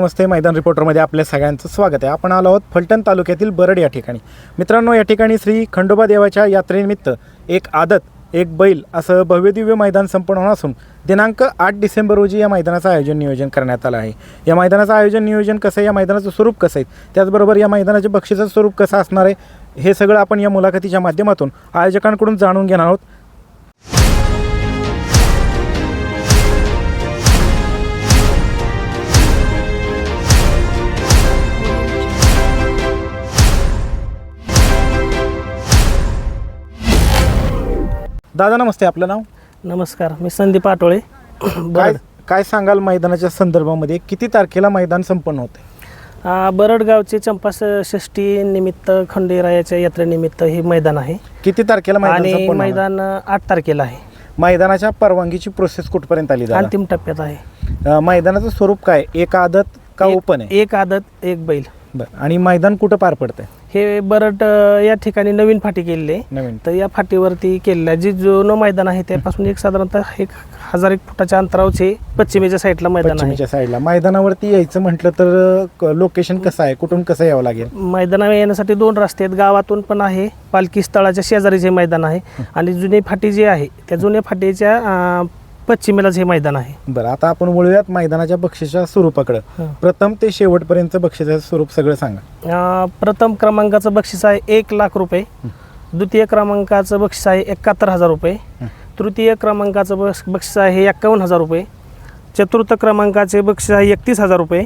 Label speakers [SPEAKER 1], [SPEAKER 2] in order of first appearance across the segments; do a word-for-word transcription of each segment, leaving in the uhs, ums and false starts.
[SPEAKER 1] नमस्ते. मैदान रिपोर्टरमध्ये आपल्या सगळ्यांचं स्वागत आहे. आपण आलो आहोत फलटण तालुक्यातील बरड या ठिकाणी. मित्रांनो, या ठिकाणी श्री खंडोबा देवाच्या यात्रेनिमित्त एक आदत एक बैल असं भव्यदिव्य मैदान संपन्न होणार असून दिनांक आठ डिसेंबर रोजी या मैदानाचं आयोजन नियोजन करण्यात आलं आहे. या मैदानाचं आयोजन नियोजन कसं आहे, या मैदानाचं स्वरूप कसं आहे, त्याचबरोबर या मैदानाचे बक्षिसाचं स्वरूप कसं असणार आहे, हे सगळं आपण या मुलाखतीच्या माध्यमातून आयोजकांकडून जाणून घेणार आहोत. दादा नमस्ते, आपलं नाव?
[SPEAKER 2] नमस्कार, मी संदीप आटोळे.
[SPEAKER 1] काय काय सांगाल मैदानाच्या संदर्भामध्ये, किती तारखेला मैदान संपन्न होते?
[SPEAKER 2] बरड गावचे चंपा षष्ठी निमित्त खंडेरायाच्या यात्रेनिमित्त हे मैदान आहे.
[SPEAKER 1] किती तारखेला मैदान
[SPEAKER 2] आणि
[SPEAKER 1] संपन्न होणार?
[SPEAKER 2] मैदान आठ तारखेला आहे.
[SPEAKER 1] मैदानाच्या परवानगीची प्रोसेस कुठपर्यंत आली?
[SPEAKER 2] अंतिम टप्प्यात आहे.
[SPEAKER 1] अ, मैदानाचं स्वरूप काय, एक आदत का
[SPEAKER 2] एक-
[SPEAKER 1] ओपन आहे?
[SPEAKER 2] एक आदत एक बैल.
[SPEAKER 1] बरं. आणि मैदान कुठं पार पडतंय?
[SPEAKER 2] हे बरड अ, या ठिकाणी नवीन फाटी केलेली आहे.
[SPEAKER 1] नवीन.
[SPEAKER 2] तर या फाटीवरती केलेलं आहे. जे जुनं मैदान आहे त्यापासून एक साधारणतः एक हजार एक फुटाच्या अंतरावरचे पश्चिमेच्या साईडला मैदान आहे.
[SPEAKER 1] पश्चिमेच्या साईडला. मैदानावरती यायचं म्हटलं तर लोकेशन कसं आहे, कुठून कसं यावं लागेल?
[SPEAKER 2] मैदानावर येण्यासाठी दोन रस्ते आहेत. गावातून पण आहे, पालखी स्थळाच्या शेजारीचे मैदान आहे, आणि जुनी फाटी जी आहे त्या जुन्या फाटीच्या अ, पश्चिमेलाच हे मैदान आहे.
[SPEAKER 1] बरं, आता आपण वळूयात मैदानाच्या बक्षिसाच्या स्वरूपाकडं.
[SPEAKER 2] हं.
[SPEAKER 1] प्रथम ते शेवटपर्यंत बक्षिसाचं स्वरूप सगळं सांगा.
[SPEAKER 2] अ, प्रथम क्रमांकाचं बक्षीस आहे एक लाख रुपये. द्वितीय क्रमांकाचं बक्षीस आहे एकाहत्तर हजार रुपये. तृतीय क्रमांकाचं बक्ष बक्षीस आहे एक्कावन्न हजार रुपये. चतुर्थ क्रमांकाचे बक्षीस आहे एकतीस हजार रुपये.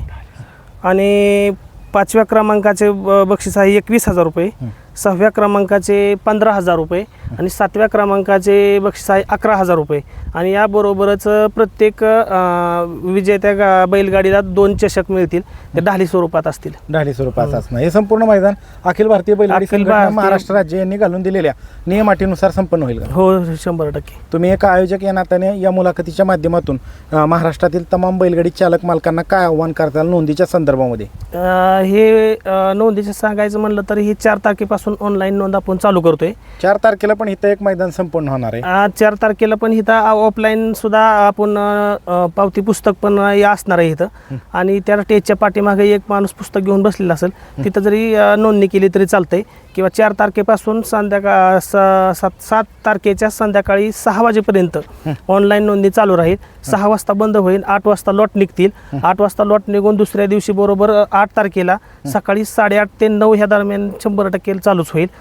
[SPEAKER 2] आणि पाचव्या क्रमांकाचे ब बक्षीस आहे एकवीस हजार रुपये. सहाव्या क्रमांकाचे पंधरा हजार रुपये. आणि सातव्या क्रमांकाचे बक्षीस आहे अकरा हजार रुपये. आणि याबरोबरच प्रत्येक अ, विजेत्या गा बैलगाडीला दोन चषक मिळतील, ते ढाली स्वरूपात असतील.
[SPEAKER 1] ढाली स्वरूपाचं असणार हे संपूर्ण मैदान अखिल भारतीय बैलगाडी
[SPEAKER 2] अखिल
[SPEAKER 1] संघटना
[SPEAKER 2] भारतीय-
[SPEAKER 1] महाराष्ट्र राज्य यांनी घालून दिलेल्या नियमाटीनुसार संपन्न होईल का?
[SPEAKER 2] हो, शंभर टक्के.
[SPEAKER 1] तुम्ही एक आयोजक या नात्याने या मुलाखतीच्या माध्यमातून अ, महाराष्ट्रातील तमाम बैलगाडी चालक मालकांना काय आव्हान करताल नोंदीच्या संदर्भामध्ये?
[SPEAKER 2] अ, हे अ, नोंदीचं सांगायचं म्हणलं तर ही चार तारखेपासून ऑनलाईन नोंद आपण चालू करतोय.
[SPEAKER 1] चार तारखेला पण इथं एक मैदान संपन्न होणार आहे.
[SPEAKER 2] आज चार तारखेला पण इथं ऑफलाईन सुद्धा आपण अ, पावती पुस्तक पण या असणार आहे इथं. आणि त्या स्टेजच्या पाठीमागे एक माणूस पुस्तक घेऊन बसलेला असेल, तिथं जरी अ, नोंदणी केली तरी चालतंय. किंवा चार तारखेपासून संध्याकाळ सात सात तारखेच्या संध्याकाळी सहा वाजेपर्यंत ऑनलाईन नोंदणी चालू राहील. सहा वाजता बंद होईल, आठ वाजता लॉट निघतील. आठ वाजता लॉट निघून दुसऱ्या दिवशी बरोबर आठ तारखेला सकाळी साडेआठ ते नऊ ह्या दरम्यान शंभर टक्के चालूच होईल.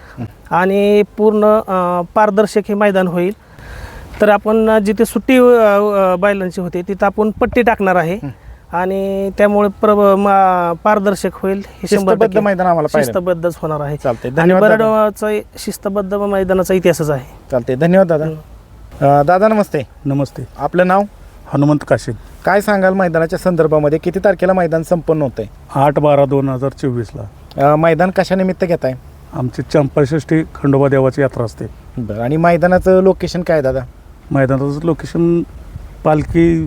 [SPEAKER 2] आणि पूर्ण अ, पारदर्शक हे मैदान होईल. तर आपण जिथे सुट्टी अ, बैलांची होते तिथं आपण पट्टी टाकणार आहे, आणि त्यामुळे प्र मा- पारदर्शक होईल. हे शंभर
[SPEAKER 1] शिस्तबद्ध
[SPEAKER 2] टक्के
[SPEAKER 1] मैदान आम्हाला पाहिजे.
[SPEAKER 2] शिस्तबद्धच होणार आहे.
[SPEAKER 1] चालतंय,
[SPEAKER 2] आणि
[SPEAKER 1] धन्यवाद दादा.
[SPEAKER 2] बरडचा शिस्तबद्ध मैदानाचा इतिहासच आहे.
[SPEAKER 1] चालते, धन्यवाद दादा. अ, दादा नमस्ते.
[SPEAKER 3] नमस्ते.
[SPEAKER 1] आपलं नाव?
[SPEAKER 3] हनुमंत काशीद.
[SPEAKER 1] काय सांगाल मैदानाच्या संदर्भामध्ये, किती तारखेला मैदान संपन्न होतंय?
[SPEAKER 3] आठ बारा दोन हजार चोवीसला
[SPEAKER 1] अ, मैदान कशा निमित्त घेताय?
[SPEAKER 3] आमची चंपाषष्ठी खंडोबा देवाची यात्रा असते.
[SPEAKER 1] बरं. आणि मैदानाचं लोकेशन काय दादा?
[SPEAKER 3] मैदानाचं लोकेशन पालखी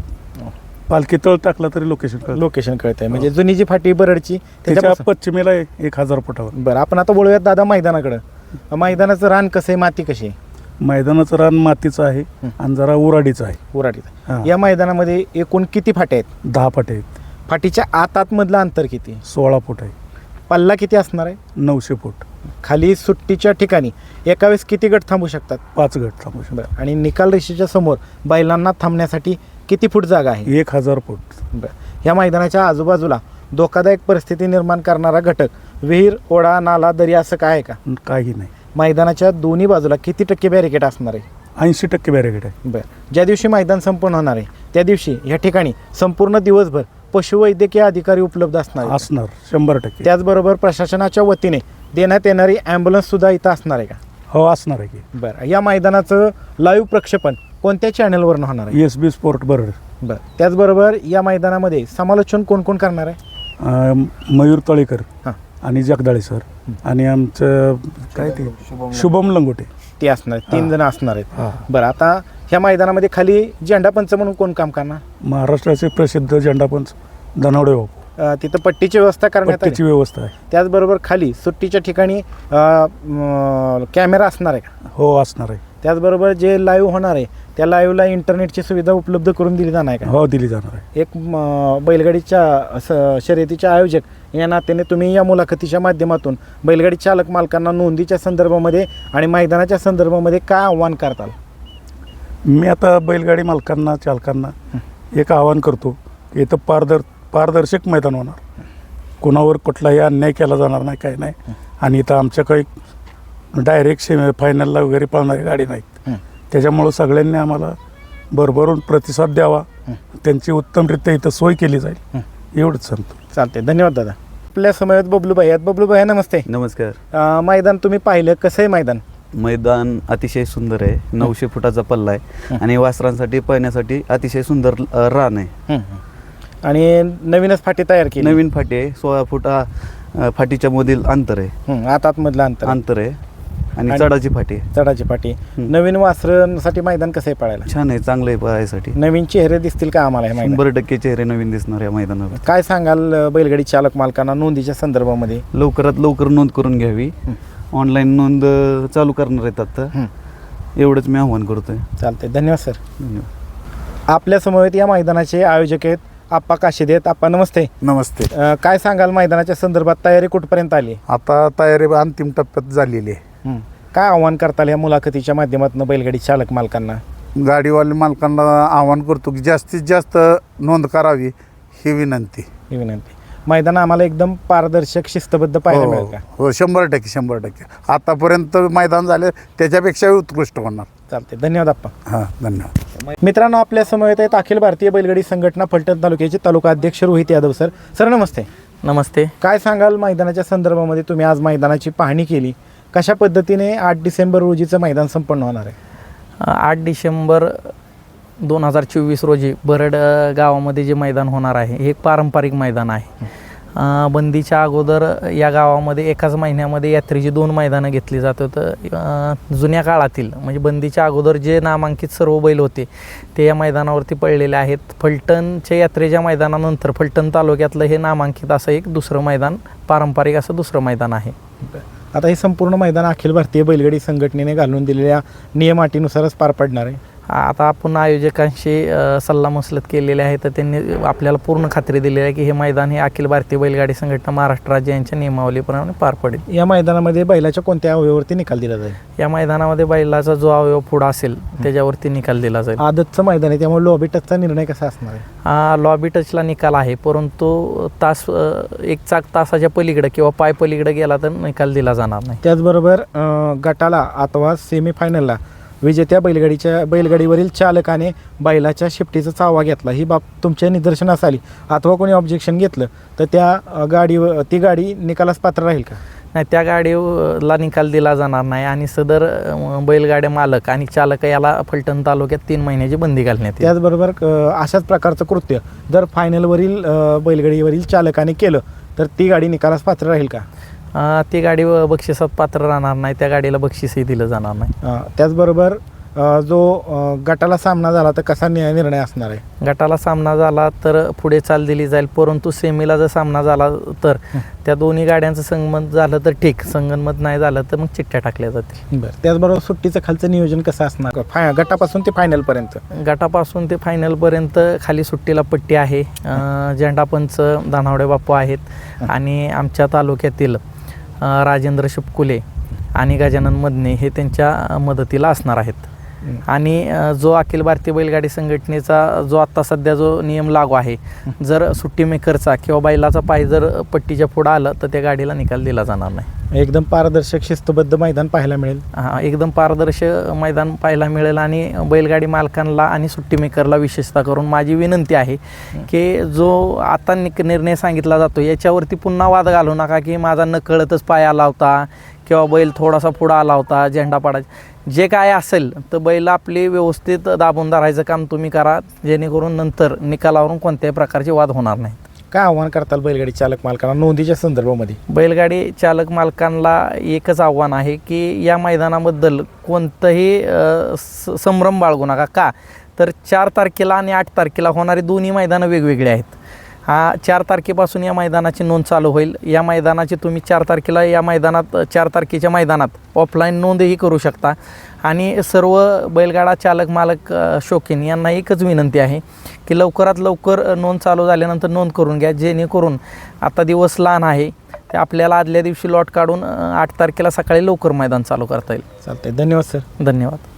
[SPEAKER 3] पालखी तळ टाकला तरी लोकेशन कळतं.
[SPEAKER 1] लोकेशन कळतंय म्हणजे जुनी जी फाटी बरडची
[SPEAKER 3] त्याच्या
[SPEAKER 1] त्याच्यापासून-
[SPEAKER 3] पश्चिमेला आहे, एक हजार फुटावर.
[SPEAKER 1] बरं, आपण आता बोलूयात दादा मैदानाकडं. मैदानाचं रान कसं आहे, माती कशी आहे?
[SPEAKER 3] मैदानाचं रान मातीचं आहे आणि जरा उराडीचं आहे.
[SPEAKER 1] उराटीत.
[SPEAKER 3] हां.
[SPEAKER 1] या मैदानामध्ये एकूण किती फाट्या आहेत?
[SPEAKER 3] दहा फाटे आहेत.
[SPEAKER 1] फाटीच्या आत आतमधलं अंतर किती?
[SPEAKER 3] सोळा फूट आहे.
[SPEAKER 1] पल्ला किती असणार आहे?
[SPEAKER 3] नऊशे फूट.
[SPEAKER 1] खाली सुट्टीच्या ठिकाणी एका वेळेस किती गट थांबू शकतात?
[SPEAKER 3] पाच गट थांबू शकतात.
[SPEAKER 1] बरं. आणि निकाल रेषेच्या समोर बैलांना थांबण्यासाठी किती फूट जागा आहे?
[SPEAKER 3] एक हजार फूट.
[SPEAKER 1] बरं. या मैदानाच्या आजूबाजूला धोकादायक परिस्थिती निर्माण करणारा घटक, विहीर, ओढा, नाला, दरी असं काय आहे का?
[SPEAKER 3] काही नाही.
[SPEAKER 1] मैदानाच्या दोन्ही बाजूला किती टक्के बॅरिकेड असणार आहे?
[SPEAKER 3] ऐंशी टक्के बॅरिकेड आहे.
[SPEAKER 1] बरं. ज्या दिवशी मैदान संपन्न होणार आहे त्या दिवशी या ठिकाणी संपूर्ण दिवसभर पशुवैद्यकीय अधिकारी उपलब्ध असणार आहेत.
[SPEAKER 3] असणार शंभर टक्के.
[SPEAKER 1] त्याचबरोबर प्रशासनाच्या वतीने देण्यात येणारी ॲम्ब्युलन्स सुद्धा इथं असणार आहे का?
[SPEAKER 3] हो, असणार आहे की.
[SPEAKER 1] बरं. या मैदानाचं लाईव्ह प्रक्षेपण कोणत्या चॅनलवरून होणार आहे?
[SPEAKER 3] एस बी स्पोर्ट बरड.
[SPEAKER 1] बरं. त्याचबरोबर या मैदानामध्ये समालोचन कोण कोण करणार आहे?
[SPEAKER 3] अं, मयूर तळेकर
[SPEAKER 1] हां.
[SPEAKER 3] आणि जगदाळे सर आणि आमचं काय ते शुभम लंगोटे
[SPEAKER 1] ते असणार आहेत, तीन
[SPEAKER 3] हां.
[SPEAKER 1] जण असणार आहेत.
[SPEAKER 3] हां.
[SPEAKER 1] बरं. आता ह्या मैदानामध्ये खाली झेंडापंच म्हणून कोण काम करणार?
[SPEAKER 3] महाराष्ट्राचे प्रसिद्ध झेंडापंच धनावडे बापू.
[SPEAKER 1] अ, तिथं पट्टीची व्यवस्था करण्यात आली.
[SPEAKER 3] पट्टीची व्यवस्था आहे.
[SPEAKER 1] त्याचबरोबर खाली सुट्टीच्या ठिकाणी अ, म, कॅमेरा असणार आहे का?
[SPEAKER 3] हो, असणार आहे.
[SPEAKER 1] त्याचबरोबर जे लाईव्ह होणार आहे त्या लाईव्हला इंटरनेटची सुविधा उपलब्ध करून दिली जाणार आहे का?
[SPEAKER 3] हो दिली जाणार आहे.
[SPEAKER 1] एक म, बैलगाडीच्या स शर्यतीचे आयोजक या नात्याने तुम्ही या मुलाखतीच्या माध्यमातून बैलगाडी चालक मालकांना नोंदीच्या संदर्भामध्ये आणि मैदानाच्या संदर्भामध्ये काय आव्हान करताल?
[SPEAKER 3] मी आता बैलगाडी मालकांना चालकांना एक आवाहन करतो की इथं पारदर पारदर्शक मैदान होणार, कोणावर कुठलाही अन्याय केला जाणार नाही, काय नाही. आणि इथं आमच्या काही डायरेक्ट सेमी फायनलला वगैरे पळणारी गाडी नाहीत. त्याच्यामुळं सगळ्यांनी आम्हाला भरभरून प्रतिसाद द्यावा, त्यांची उत्तमरित्या इथं सोय केली जाईल एवढंच सांगतो.
[SPEAKER 1] चालते, धन्यवाद दादा. आपल्या समयात बबलूभाई आहेत. बबलूभाई नमस्ते.
[SPEAKER 4] नमस्कार.
[SPEAKER 1] अं, मैदान तुम्ही पाहिलं, कसं आहे मैदान?
[SPEAKER 4] मैदान अतिशय सुंदर आहे. नऊशे फुटाचा पल्ला आहे आणि वासरांसाठी पळण्यासाठी अतिशय सुंदर अ, रान आहे.
[SPEAKER 1] हं, हं. आणि नवीनच फाटी तयार केली.
[SPEAKER 4] नवीन फाटी आहे. सोळा फुटा अ, फाटीच्या मधील अंतर आहे.
[SPEAKER 1] हं, आत आतमधलं अंतर आहे.
[SPEAKER 4] अंतर आहे आणि
[SPEAKER 1] आणि-
[SPEAKER 4] चढाची फाटी आहे.
[SPEAKER 1] चढाची फाटी.
[SPEAKER 4] हं.
[SPEAKER 1] नवीन वासरांसाठी मैदान कसं आहे पळायला?
[SPEAKER 4] छान आहे, चांगलं आहे पळायसाठी.
[SPEAKER 1] नवीन चेहरे दिसतील का आम्हाला हे मैदान?
[SPEAKER 4] शंभर टक्के चेहरे नवीन दिसणार या मैदानावर.
[SPEAKER 1] काय सांगाल अं, बैलगाडी चालक मालकांना नोंदीच्या संदर्भामध्ये?
[SPEAKER 4] लवकरात लवकर नोंद करून घ्यावी. ऑनलाईन नोंद अ, चालू करणार आहेत आता.
[SPEAKER 1] हं.
[SPEAKER 4] एवढंच मी आव्हान करतोय.
[SPEAKER 1] चालते, धन्यवाद सर.
[SPEAKER 4] धन्यवाद.
[SPEAKER 1] आपल्या समवेत या मैदानाचे आयोजक आहेत आप्पा काशीद आहेत. आप्पा नमस्ते.
[SPEAKER 5] नमस्ते.
[SPEAKER 1] अं, काय सांगाल मैदानाच्या संदर्भात तयारी कुठपर्यंत आली?
[SPEAKER 5] आता तयारी अंतिम टप्प्यात झालेली आहे.
[SPEAKER 1] हं. काय आव्हान करताल या मुलाखतीच्या माध्यमातून बैलगाडी चालक मालकांना?
[SPEAKER 5] गाडीवाले मालकांना आवाहन करतो की जास्तीत जास्त नोंद करावी ही विनंती.
[SPEAKER 1] ही विनंती. मैदान आम्हाला एकदम पारदर्शक शिस्तबद्ध पाहायला मिळेल का?
[SPEAKER 5] हो, हो, शंभर टक्के शंभर टक्के आतापर्यंत मैदान झाले त्याच्यापेक्षाही उत्कृष्ट होणार.
[SPEAKER 1] चालते, धन्यवाद आप्पा.
[SPEAKER 5] हां, धन्यवाद.
[SPEAKER 1] मित्रांनो, आपल्या समवेत आहेत अखिल भारतीय बैलगाडी संघटना फलटण तालुक्याचे तालुका अध्यक्ष रोहित यादव सर. सर नमस्ते.
[SPEAKER 6] नमस्ते.
[SPEAKER 1] काय सांगाल मैदानाच्या संदर्भामध्ये? तुम्ही आज मैदानाची पाहणी केली, कशा पद्धतीने आठ डिसेंबर रोजीचं मैदान संपन्न होणार आहे?
[SPEAKER 6] आठ डिसेंबर दोन हजार चोवीस रोजी बरड अ, गावामध्ये जे मैदान होणार आहे हे एक पारंपरिक मैदान आहे. अ, बंदीच्या अगोदर या गावामध्ये एकाच महिन्यामध्ये यात्रेची दोन मैदानं घेतली जात होतं. अ, जुन्या काळातील म्हणजे बंदीच्या अगोदर जे नामांकित सर्व बैल होते ते या मैदानावरती पडलेले आहेत. फलटणच्या यात्रेच्या मैदानानंतर फलटण तालुक्यातलं हे नामांकित असं एक दुसरं मैदान, पारंपरिक असं दुसरं मैदान आहे.
[SPEAKER 1] आता हे संपूर्ण मैदान अखिल भारतीय बैलगाडी संघटनेने घालून दिलेल्या नियम अटीनुसारच पार पडणार आहे.
[SPEAKER 6] आता आपण आयोजकांशी अ, सल्लामसलत केलेले आहे, तर त्यांनी आपल्याला पूर्ण खात्री दिलेली आहे की हे मैदान हे अखिल भारतीय बैलगाडी संघटना महाराष्ट्र राज्य यांच्या नियमावलीप्रमाणे पार पडेल.
[SPEAKER 1] या मैदानामध्ये बैलाच्या कोणत्या अवयवावरती निकाल दिला जाईल?
[SPEAKER 6] या मैदानामध्ये बैलाचा जो अवयव पुढा असेल त्याच्यावरती निकाल दिला जाईल.
[SPEAKER 1] आदतचं मैदान आहे त्यामुळे लॉबी टचचा निर्णय कसा असणार आहे?
[SPEAKER 6] हा लॉबी टचला निकाल आहे, परंतु तास अ, एक चाक तासाच्या पलीकडे किंवा पाय पलीकडे गेला तर निकाल दिला जाणार नाही.
[SPEAKER 1] त्याचबरोबर अं, गटाला अथवा सेमीफायनलला विजेत्या बैलगाडीच्या बैलगाडीवरील चालकाने बैलाच्या शिफ्टीचा चावा घेतला, ही बाब तुमच्या निदर्शनास आली अथवा कोणी ऑब्जेक्शन घेतलं तर त्या अं, गाडीवर ती गाडी निकालास पात्र राहील का?
[SPEAKER 6] नाही, त्या गाडीला निकाल दिला जाणार नाही आणि सदर अ, बैलगाड्या मालक आणि चालक याला फलटण तालुक्यात तीन महिन्याची बंदी घालण्यात येईल.
[SPEAKER 1] त्याचबरोबर अं, अशाच प्रकारचं कृत्य जर फायनलवरील अं, बैलगाडीवरील चालकाने केलं तर ती गाडी निकालास पात्र राहील का?
[SPEAKER 6] अ, ती गाडी व- बक्षिसात पात्र राहणार नाही, त्या गाडीला बक्षीसही दिलं जाणार नाही.
[SPEAKER 1] अं, त्याचबरोबर अं, जो अं, गटाला सामना झाला तर कसा नि- निर्णय असणार आहे?
[SPEAKER 6] गटाला सामना झाला तर पुढे चाल दिली जाईल, परंतु सेमीला जर सामना झाला तर त्या दोन्ही गाड्यांचं संगमत झालं तर ठीक, संगनमत नाही झालं तर मग चिठ्ठ्या टाकल्या जातील.
[SPEAKER 1] बरं. त्याचबरोबर सुट्टीचं खालचं नियोजन कसं असणार फाय गटापासून ते फायनलपर्यंत?
[SPEAKER 6] गटापासून ते फायनलपर्यंत खाली सुट्टीला पट्टी आहे. अ, झेंडापंच दानावडे बापू आहेत आणि आमच्या तालुक्यातील अ, राजेंद्र शिपकुले आणि गजानन मदने हे त्यांच्या मदतीला असणार आहेत. आणि अ, जो अखिल भारतीय बैलगाडी संघटनेचा जो आत्ता सध्या जो नियम लागू आहे, जर सुट्टी मेकरचा किंवा बैलाचा पाय जर पट्टीच्या पुढं आलं तर त्या गाडीला निकाल दिला जाणार नाही.
[SPEAKER 1] एकदम पारदर्शक शिस्तबद्ध मैदान पाहायला मिळेल.
[SPEAKER 6] हा, एकदम पारदर्शक मैदान पाहायला मिळेल आणि बैलगाडी मालकांना आणि सुट्टी मेकरला विशेषतः करून माझी विनंती आहे की जो आता निक निर्णय सांगितला जातो याच्यावरती पुन्हा वाद घालू नका की माझा नकळतच पाय आला होता किंवा बैल थोडासा पुढं आला होता, झेंडा पाडायचा. जे काय असेल तर बैल आपली व्यवस्थित दाबून धरायचं काम तुम्ही करा, जेणेकरून नंतर निकालावरून कोणत्याही प्रकारचे वाद होणार नाहीत.
[SPEAKER 1] काय आव्हान करताल बैलगाडी चालक मालकांना नोंदीच्या संदर्भामध्ये?
[SPEAKER 6] बैलगाडी चालक मालकांना एकच आव्हान आहे की या मैदानाबद्दल कोणतंही अ, स- संभ्रम बाळगू नका. का तर चार तारखेला आणि आठ तारखेला होणारी दोन्ही मैदानं वेगवेगळी आहेत. हा चार तारखेपासून या मैदानाची नोंद चालू होईल. या मैदानाची तुम्ही चार तारखेला या मैदानात चार तारखेच्या मैदानात ऑफलाईन नोंदही करू शकता. आणि सर्व बैलगाडा चालक मालक अ, शौकीन यांना एकच विनंती आहे की लवकरात लवकर नोंद चालू झाल्यानंतर नोंद करून घ्या, जेणेकरून आता दिवस लहान आहे ते आपल्याला आदल्या दिवशी लॉट काढून अ, आठ तारखेला सकाळी लवकर मैदान चालू करता येईल.
[SPEAKER 1] चालतंय, धन्यवाद सर.
[SPEAKER 6] धन्यवाद.